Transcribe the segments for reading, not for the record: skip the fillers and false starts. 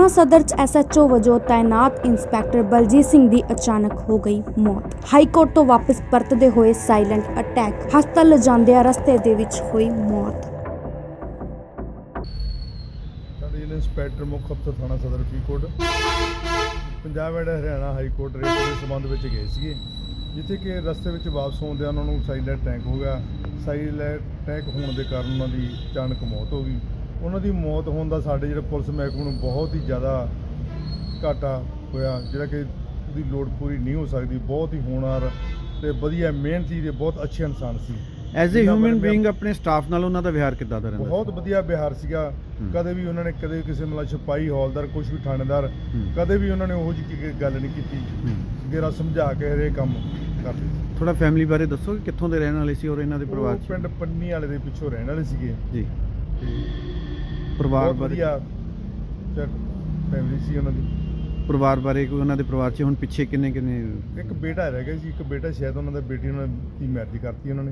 सदर च SHO वजों तैनात इंस्पैक्टर बलजीत सिंह दी अचानक हो गई मौत। हाईकोर्ट तो वापस परतदे होए साइलेंट अटैक, हस्पताल लिजांदियां रस्ते दे विच होई मौत। इंस्पैक्टर मुख अफसर थाना सदर Faridkot Punjab and Haryana high court writ के संबंध में गए थे, जिथे कि रस्ते में वापस आउंदे उन्होंने साइलेंट अटैक हो गया। साइलेंट अटैक होने के कारण उन्होंने अचानक मौत हो गई। उन्होंने मौत होने का साढ़े जो पुलिस महकमे में बहुत ही ज़्यादा घाटा होया, जिहड़ा कि उसकी लोड़ पूरी नहीं हो सकती। बहुत ही होनहार ते वधिया मेहनती ते बहुत अच्छे इंसान सी। एज ए ह्यूमन बीइंग अपने स्टाफ नाल उन्हां दा व्यवहार किद्दां दा रहिंदा? बहुत वधिया व्यवहार सीगा। कदे भी उन्होंने कदे किसी मतलब सिपाही हौलदार कुछ भी थानेदार कदे भी उन्होंने वो जी गल नहीं की। गेरा समझा के हरेक काम करते। थोड़ा फैमिली बारे दसो कि कित्थों दे रहण वाले सी और इन्हां दे परिवार च? पिंड पन्नी वाले दे पिछों रहण वाले सीगे जी। परिवार बारे फैमिली सी उन्हां दी। परिवार बारे कोई उन्हां दे परिवार च हुण पिछे किन्ने एक बेटा रह गया जी, एक बेटा शायद उन्हां दा बेटी उन्होंने मैरिज करती उन्होंने।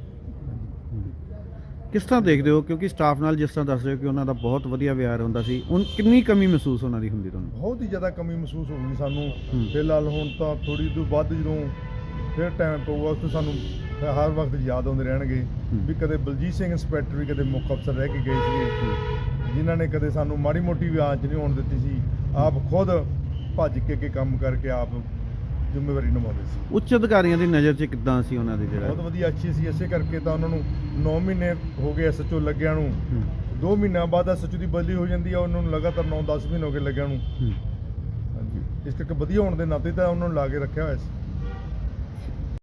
किस तरह देखते हो, क्योंकि स्टाफ नाल जिस तरह दस रहे हो कि उन्हां दा बहुत वधिया व्यवहार हुंदा सी, हुण कितनी कमी महसूस उन्हां दी हुंदी तुहानूं? बहुत ही ज़्यादा कमी महसूस होगी सानूं। फिलहाल हुण तां थोड़ी तो बाद जो फिर टाइम पऊगा उस तो सानूं हर वक्त याद आउंदे रहणगे भी कदे बलजीत सिंह इंस्पैक्टर भी कदे मुख अफसर रह के गए थे, जिन्हां ने कदे सानूं माड़ी मोटी भी आंच नहीं होण दित्ती सी। आप खुद भज के अगे काम करके आप ਜ਼ਿੰਮੇਵਾਰੀ ਨਿਭਾਉਂਦੇ ਸੀ। ਉੱਚ ਅਧਿਕਾਰੀਆਂ ਦੀ ਨਜ਼ਰ 'ਚ ਕਿੱਦਾਂ ਸੀ ਉਹਨਾਂ ਦੀ? ਜਿਹੜਾ ਬਹੁਤ ਵਧੀਆ ਅੱਛੀ ਸੀ, ਇਸੇ ਕਰਕੇ ਤਾਂ ਉਹਨਾਂ ਨੂੰ 9 ਮਹੀਨੇ ਹੋ ਗਏ SHO ਲੱਗਿਆਂ ਨੂੰ। 2 ਮਹੀਨਿਆਂ ਬਾਅਦ SHO ਦੀ ਬਦਲੀ ਹੋ ਜਾਂਦੀ ਆ, ਉਹਨਾਂ ਨੂੰ ਲਗਾਤਾਰ 9-10 ਮਹੀਨੇ ਹੋ ਗਏ ਲੱਗਿਆਂ ਨੂੰ। ਹਾਂਜੀ, ਇਸ ਕਰਕੇ ਵਧੀਆ ਹੋਣ ਦੇ ਨਾਤੇ ਤਾਂ ਉਹਨਾਂ ਨੂੰ ਲਾ ਕੇ ਰੱਖਿਆ ਹੋਇਆ ਸੀ।